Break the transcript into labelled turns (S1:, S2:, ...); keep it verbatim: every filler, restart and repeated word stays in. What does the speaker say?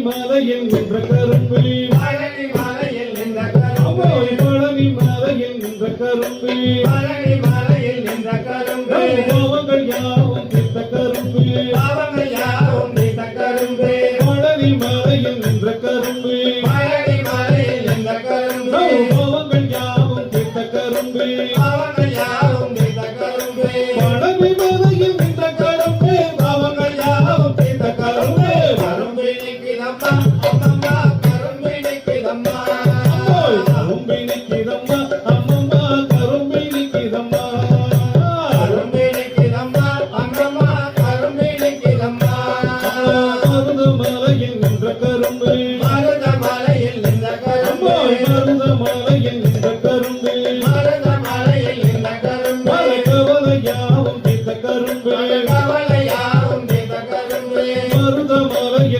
S1: மலையில் நின்ற கரும்பு
S2: பழனி மலையில் நின்ற கரும்பு
S1: பழனி மலையில் நின்ற கரும்பு
S2: பழனி மலையில் நின்ற கரும்பு
S1: பாவங்கள் யாவும் தீர்த்த கரும்பு
S2: பாவங்கள் யாவும் தீர்த்த கரும்பு
S1: பழனி மலையில் நின்ற கரும்பு
S2: பழனி மலையில் நின்ற கரும்பு
S1: பாவங்கள் யாவும் தீர்த்த கரும்பு
S2: பாவங்கள் யாவும் தீர்த்த கரும்பு
S1: பழனி மலையில் நின்ற கரும்பு பாவங்கள் யாவும் தீர்த்த கரும்பு
S2: கரும்பு நிற்கிறம்மா அம்மம்மா கரும்பு நிற்கிறம்மா
S1: கரும்பு நிற்கிறம்மா அம்மம்மா கரும்பு நிற்கிறம்மா
S2: கரும்பு நிற்கிறம்மா அம்மம்மா கரும்பு நிற்கிறம்மா
S1: மருத மலையில் நின்ற கரும்பு